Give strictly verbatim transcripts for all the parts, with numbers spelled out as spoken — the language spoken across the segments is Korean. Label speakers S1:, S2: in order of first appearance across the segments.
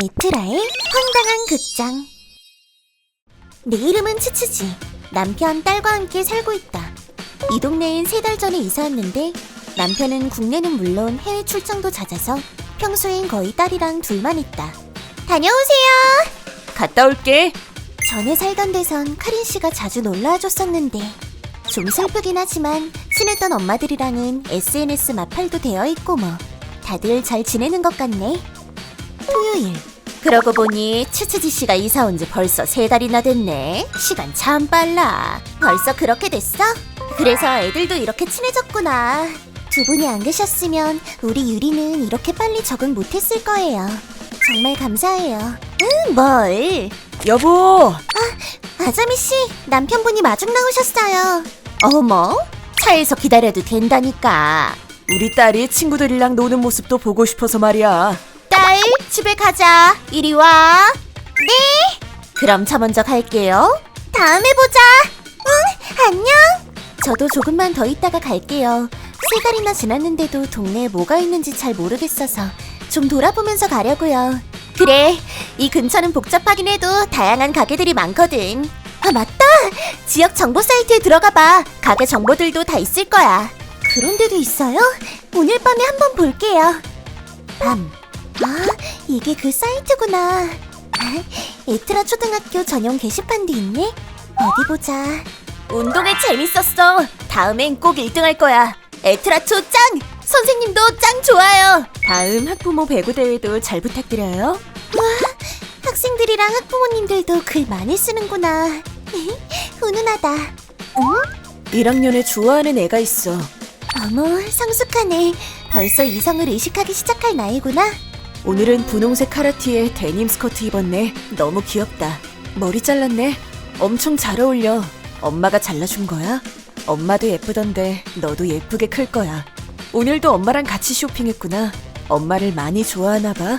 S1: 에트라의 황당한 극장. 내 이름은 츠츠지. 남편, 딸과 함께 살고 있다. 이 동네엔 세 달 전에 이사 왔는데 남편은 국내는 물론 해외 출장도 잦아서 평소엔 거의 딸이랑 둘만 있다. 다녀오세요.
S2: 갔다 올게.
S1: 전에 살던 데선 카린 씨가 자주 놀러와 줬었는데 좀 슬프긴 하지만 친했던 엄마들이랑은 에스엔에스 마팔도 되어 있고 뭐 다들 잘 지내는 것 같네. 토요일. 그러고 보니 츠츠지 씨가 이사 온 지 벌써 세 달이나 됐네. 시간 참 빨라. 벌써 그렇게 됐어? 그래서 애들도 이렇게 친해졌구나. 두 분이 안 계셨으면 우리 유리는 이렇게 빨리 적응 못했을 거예요. 정말 감사해요. 응, 뭘?
S2: 여보.
S1: 아자미 씨, 남편분이 마중 나오셨어요. 어머, 차에서 기다려도 된다니까.
S2: 우리 딸이 친구들이랑 노는 모습도 보고 싶어서 말이야.
S1: 딸, 집에 가자. 이리 와. 네. 그럼 저 먼저 갈게요. 다음에 보자. 응, 안녕. 저도 조금만 더 있다가 갈게요. 세 달이나 지났는데도 동네에 뭐가 있는지 잘 모르겠어서 좀 돌아보면서 가려고요. 그래, 이 근처는 복잡하긴 해도 다양한 가게들이 많거든. 아, 맞다. 지역 정보 사이트에 들어가봐. 가게 정보들도 다 있을 거야. 그런 데도 있어요? 오늘 밤에 한번 볼게요. 밤. 아, 이게 그 사이트구나. 아, 에트라 초등학교 전용 게시판도 있네. 어디 보자. 운동회 재밌었어. 다음엔 꼭 일 등 할 거야. 에트라 초 짱! 선생님도 짱 좋아요.
S2: 다음 학부모 배구 대회도 잘 부탁드려요.
S1: 와, 학생들이랑 학부모님들도 글 많이 쓰는구나. 훈훈하다. 응?
S2: 일 학년에 좋아하는 애가 있어.
S1: 어머, 성숙하네. 벌써 이성을 의식하기 시작할 나이구나.
S2: 오늘은 분홍색 카라티에 데님 스커트 입었네. 너무 귀엽다. 머리 잘랐네. 엄청 잘 어울려. 엄마가 잘라준 거야? 엄마도 예쁘던데 너도 예쁘게 클 거야. 오늘도 엄마랑 같이 쇼핑했구나. 엄마를 많이 좋아하나 봐.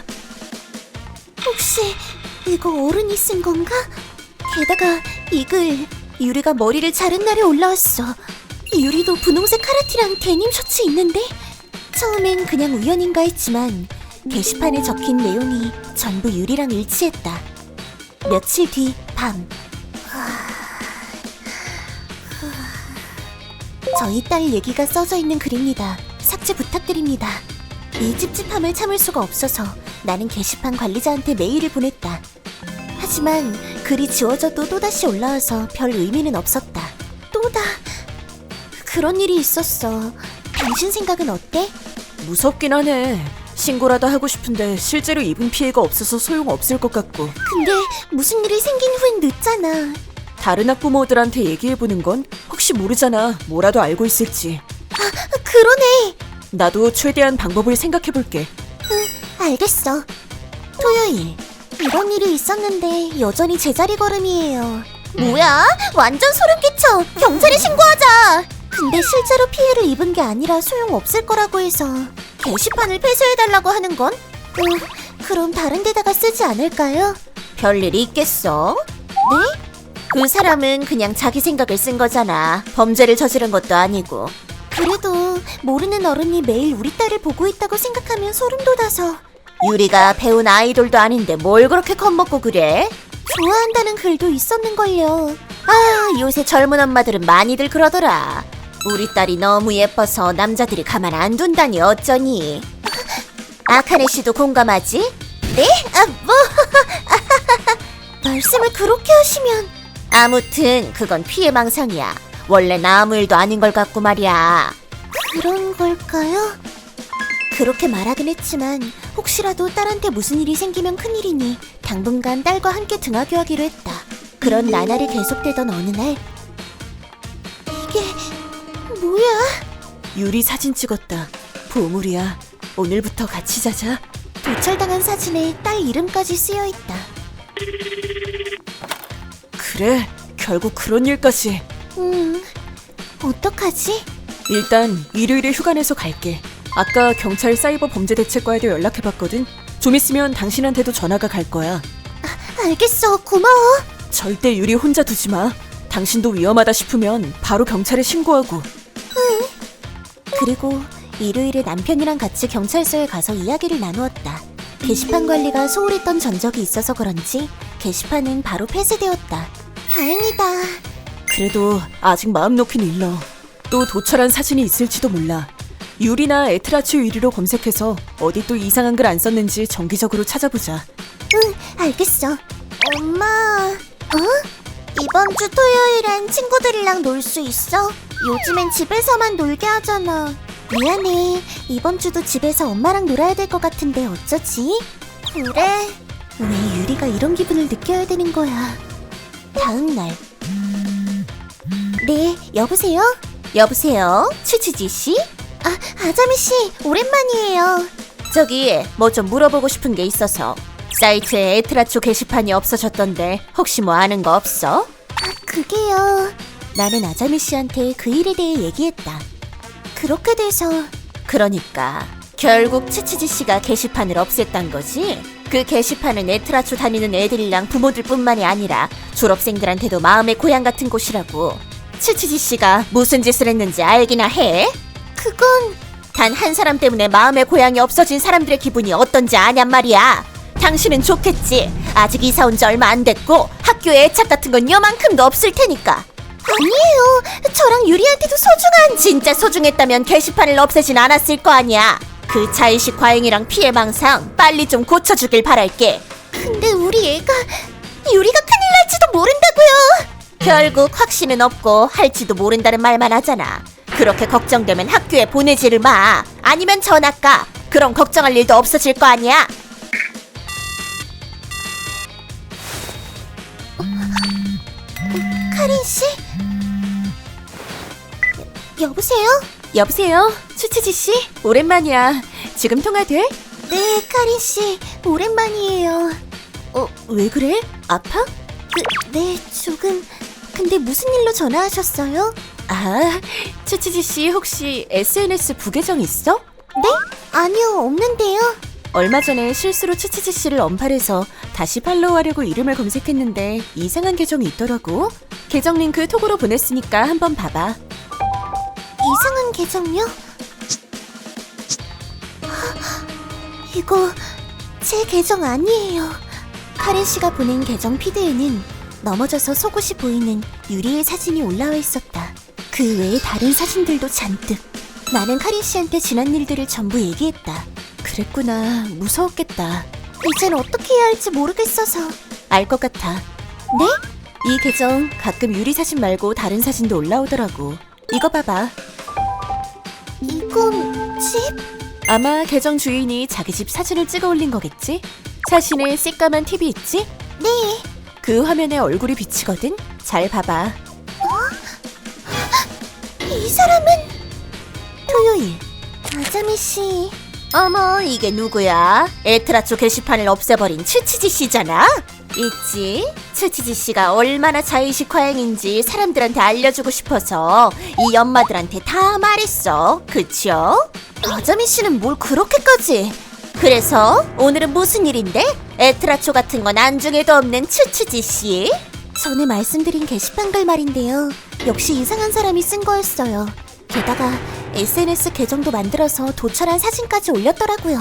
S1: 혹시 이거 어른이 쓴 건가? 게다가 이 글 유리가 머리를 자른 날에 올라왔어. 유리도 분홍색 카라티랑 데님 셔츠 있는데? 처음엔 그냥 우연인가 했지만 게시판에 적힌 내용이 전부 유리랑 일치했다. 며칠 뒤 밤. 저희 딸 얘기가 써져 있는 글입니다. 삭제 부탁드립니다. 이 찝찝함을 참을 수가 없어서 나는 게시판 관리자한테 메일을 보냈다. 하지만 글이 지워져도 또다시 올라와서 별 의미는 없었다. 또다. 그런 일이 있었어. 당신 생각은 어때?
S2: 무섭긴 하네. 신고라도 하고 싶은데 실제로 입은 피해가 없어서 소용없을 것 같고.
S1: 근데 무슨 일이 생긴 후엔 늦잖아.
S2: 다른 학부모들한테 얘기해보는 건 혹시 모르잖아. 뭐라도 알고 있을지.
S1: 아, 그러네.
S2: 나도 최대한 방법을 생각해볼게.
S1: 응, 알겠어. 토요일. 이런 일이 있었는데 여전히 제자리 걸음이에요. 뭐야? 완전 소름 끼쳐. 경찰에 신고하자. 근데 실제로 피해를 입은 게 아니라 소용없을 거라고 해서 게시판을 폐쇄해달라고 하는 건? 음, 그럼 다른 데다가 쓰지 않을까요? 별일이 있겠어? 네? 그 사람은 그냥 자기 생각을 쓴 거잖아. 범죄를 저지른 것도 아니고. 그래도 모르는 어른이 매일 우리 딸을 보고 있다고 생각하면 소름 돋아서. 유리가 배운 아이돌도 아닌데 뭘 그렇게 겁먹고 그래? 좋아한다는 글도 있었는걸요. 아, 요새 젊은 엄마들은 많이들 그러더라. 우리 딸이 너무 예뻐서 남자들이 가만 안 둔다니 어쩌니. 아카네 씨도 공감하지? 네? 아, 뭐? 말씀을 그렇게 하시면. 아무튼 그건 피해망상이야. 원래는 아무 일도 아닌 걸 같고 말이야. 그런 걸까요? 그렇게 말하긴 했지만 혹시라도 딸한테 무슨 일이 생기면 큰일이니 당분간 딸과 함께 등하교하기로 했다. 그런 나날이 계속되던 어느 날. 이게 뭐야?
S2: 유리 사진 찍었다. 보물이야. 오늘부터 같이 자자.
S1: 도찰당한 사진에 딸 이름까지 쓰여있다.
S2: 그래, 결국 그런 일까지.
S1: 음, 어떡하지?
S2: 일단 일요일에 휴가 내서 갈게. 아까 경찰 사이버 범죄대책과에도 연락해봤거든. 좀 있으면 당신한테도 전화가 갈 거야.
S1: 아, 알겠어. 고마워.
S2: 절대 유리 혼자 두지 마. 당신도 위험하다 싶으면 바로 경찰에 신고하고.
S1: 응. 그리고 일요일에 남편이랑 같이 경찰서에 가서 이야기를 나누었다. 게시판 관리가 소홀했던 전적이 있어서 그런지 게시판은 바로 폐쇄되었다. 다행이다.
S2: 그래도 아직 마음 놓긴 일러. 또 도철한 사진이 있을지도 몰라. 유리나 에트라츠 유리로 검색해서 어디 또 이상한 글 안 썼는지 정기적으로 찾아보자.
S1: 응, 알겠어. 엄마, 어? 이번 주 토요일엔 친구들이랑 놀 수 있어? 요즘엔 집에서만 놀게 하잖아. 미안해. 이번 주도 집에서 엄마랑 놀아야 될 것 같은데 어쩌지? 그래. 왜 유리가 이런 기분을 느껴야 되는 거야? 다음 날. 네, 여보세요? 여보세요? 치치지 씨? 아, 아자미 씨, 오랜만이에요. 저기 뭐 좀 물어보고 싶은 게 있어서. 사이트에 에트라초 게시판이 없어졌던데 혹시 뭐 아는 거 없어? 아, 그게요. 나는 아자미 씨한테 그 일에 대해 얘기했다. 그렇게 돼서. 그러니까 결국 치치지 씨가 게시판을 없앴단 거지? 그 게시판은 에트라초 다니는 애들이랑 부모들뿐만이 아니라 졸업생들한테도 마음의 고향 같은 곳이라고. 치치지 씨가 무슨 짓을 했는지 알기나 해? 그건 단 한 사람 때문에 마음의 고향이 없어진 사람들의 기분이 어떤지 아냔 말이야. 당신은 좋겠지. 아직 이사 온 지 얼마 안 됐고 학교에 애착 같은 건 요만큼도 없을 테니까. 아니에요. 저랑 유리한테도 소중한. 진짜 소중했다면 게시판을 없애진 않았을 거 아니야. 그 자의식 과잉이랑 피해망상 빨리 좀 고쳐주길 바랄게. 근데 우리 애가 유리가 큰일 날지도 모른다고요. 결국 확신은 없고 할지도 모른다는 말만 하잖아. 그렇게 걱정되면 학교에 보내지를 마. 아니면 전학 가. 그럼 걱정할 일도 없어질 거 아니야. 카린 씨? 여, 여보세요?
S2: 여보세요? 추치지 씨? 오랜만이야. 지금 통화돼?
S1: 네, 카린 씨. 오랜만이에요.
S2: 어, 왜 그래? 아파?
S1: 그, 네, 조금. 근데 무슨 일로 전화하셨어요?
S2: 아, 추치지 씨 혹시 에스엔에스 부계정 있어?
S1: 네? 아니요, 없는데요.
S2: 얼마 전에 실수로 추치지 씨를 언팔해서 다시 팔로우하려고 이름을 검색했는데 이상한 계정이 있더라고. 계정 링크 톡으로 보냈으니까 한번 봐봐.
S1: 이상한 계정요? 이거 제 계정 아니에요. 카렌 씨가 보낸 계정 피드에는 넘어져서 속옷이 보이는 유리의 사진이 올라와 있었다. 그 외에 다른 사진들도 잔뜩. 나는 카린 씨한테 지난 일들을 전부 얘기했다.
S2: 그랬구나. 무서웠겠다.
S1: 이젠 어떻게 해야 할지 모르겠어서.
S2: 알 것 같아.
S1: 네?
S2: 이 계정 가끔 유리 사진 말고 다른 사진도 올라오더라고. 이거 봐봐.
S1: 이건 집?
S2: 아마 계정 주인이 자기 집 사진을 찍어 올린 거겠지? 사진에 새까만 티비 있지?
S1: 네.
S2: 그 화면에 얼굴이 비치거든? 잘 봐봐.
S1: 이 사람은 토요일. 아자미 씨.
S2: 어머, 이게 누구야? 에트라초 게시판을 없애버린 치치지 씨잖아? 있지? 치치지 씨가 얼마나 자의식 과잉인지 사람들한테 알려주고 싶어서 이 엄마들한테 다 말했어. 그쵸?
S1: 아자미 씨는 뭘 그렇게까지?
S2: 그래서 오늘은 무슨 일인데? 에트라초 같은 건 안중에도 없는 치치지 씨?
S1: 전에 말씀드린 게시판 글 말인데요. 역시 이상한 사람이 쓴 거였어요. 게다가 에스엔에스 계정도 만들어서 도철한 사진까지 올렸더라고요.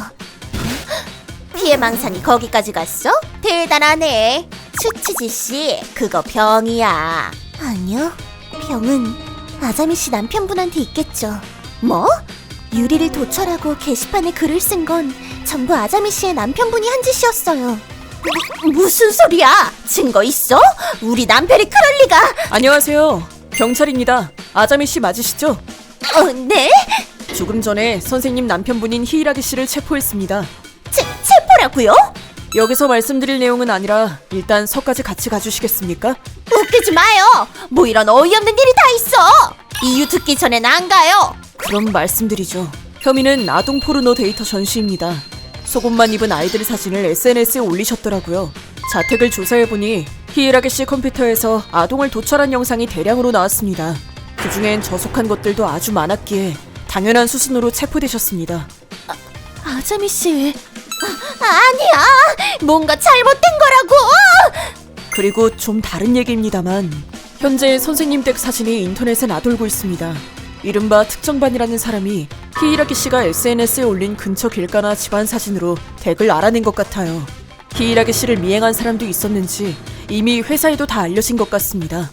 S2: 피해망상이 거기까지 갔어? 대단하네. 치치지 씨, 그거 병이야.
S1: 아니요. 병은 아자미 씨 남편분한테 있겠죠.
S2: 뭐?
S1: 유리를 도철하고 게시판에 글을 쓴 건 전부 아자미 씨의 남편분이 한 짓이었어요.
S2: 무슨 소리야? 증거 있어? 우리 남편이 그럴 리가. 안녕하세요. 경찰입니다. 아자미 씨 맞으시죠?
S1: 어, 네?
S2: 조금 전에 선생님 남편분인 히이라기 씨를 체포했습니다.
S1: 체, 체포라고요?
S2: 여기서 말씀드릴 내용은 아니라 일단 서까지 같이 가주시겠습니까?
S1: 웃기지 마요. 뭐 이런 어이없는 일이 다 있어. 이유 듣기 전엔 안 가요.
S2: 그럼 말씀드리죠. 혐의는 아동 포르노 데이터 전시입니다. 속옷만 입은 아이들 사진을 에스엔에스에 올리셨더라고요. 자택을 조사해보니 히이라기 씨 컴퓨터에서 아동을 도철한 영상이 대량으로 나왔습니다. 그중엔 저속한 것들도 아주 많았기에 당연한 수순으로 체포되셨습니다.
S1: 아, 아자미 씨. 아, 아니야. 뭔가 잘못된 거라고.
S2: 그리고 좀 다른 얘기입니다만 현재 선생님 댁 사진이 인터넷에 나돌고 있습니다. 이른바 특정반이라는 사람이 히이라기 씨가 에스엔에스에 올린 근처 길가나 집안 사진으로 댁을 알아낸 것 같아요. 히이라기 씨를 미행한 사람도 있었는지 이미 회사에도 다 알려진 것 같습니다.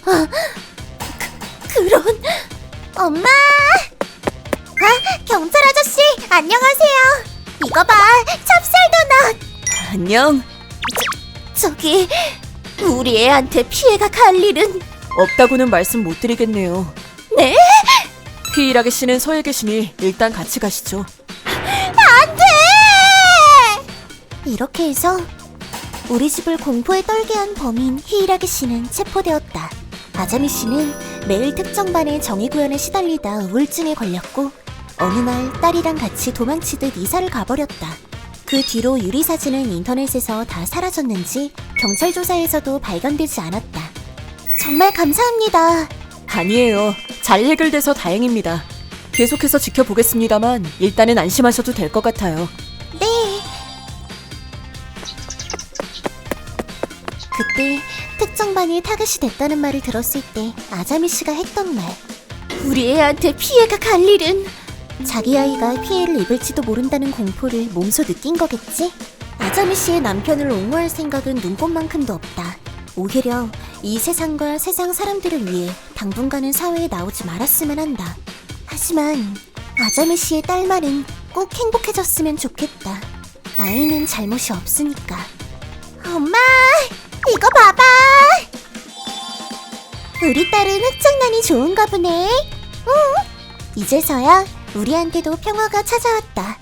S1: 그런... 엄마! 아, 경찰 아저씨, 안녕하세요. 이거 봐, 찹쌀도넛.
S2: 안녕.
S1: 저기, 우리 애한테 피해가 갈 일은...
S2: 없다고는 말씀 못 드리겠네요.
S1: 네?
S2: 히이라기 씨는 서에 계시니 일단 같이 가시죠.
S1: 안 돼! 이렇게 해서 우리 집을 공포에 떨게 한 범인 히이라기 씨는 체포되었다. 아자미 씨는 매일 특정반의 정의구현에 시달리다 우울증에 걸렸고 어느 날 딸이랑 같이 도망치듯 이사를 가버렸다. 그 뒤로 유리 사진은 인터넷에서 다 사라졌는지 경찰 조사에서도 발견되지 않았다. 정말 감사합니다.
S2: 아니에요. 잘 해결돼서 다행입니다. 계속해서 지켜보겠습니다만 일단은 안심하셔도 될 것 같아요.
S1: 네. 그때 특정반이 타겟이 됐다는 말을 들었을 때 아자미 씨가 했던 말. 우리 애한테 피해가 갈 일은... 자기 아이가 피해를 입을지도 모른다는 공포를 몸소 느낀 거겠지? 아자미 씨의 남편을 옹호할 생각은 눈꼽만큼도 없다. 오히려 이 세상과 세상 사람들을 위해 당분간은 사회에 나오지 말았으면 한다. 하지만 아자미 씨의 딸말은 꼭 행복해졌으면 좋겠다. 아이는 잘못이 없으니까. 엄마, 이거 봐봐. 우리 딸은 흑장난이 좋은가 보네. 응? 이제서야 우리한테도 평화가 찾아왔다.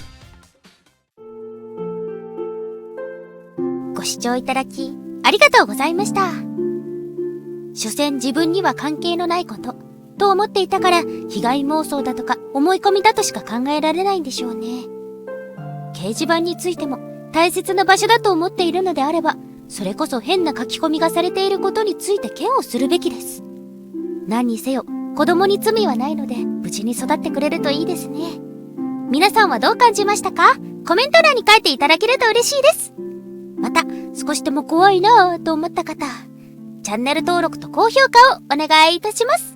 S3: ご視聴いただきありがとうございました。所詮自分には関係のないことと思っていたから被害妄想だとか思い込みだとしか考えられないんでしょうね。掲示板についても大切な場所だと思っているのであれば、それこそ変な書き込みがされていることについて嫌悪するべきです。何にせよ子供に罪はないので無事に育ってくれるといいですね。皆さんはどう感じましたか？コメント欄に書いていただけると嬉しいです。また、少しでも怖いなぁと思った方、チャンネル登録と高評価をお願いいたします。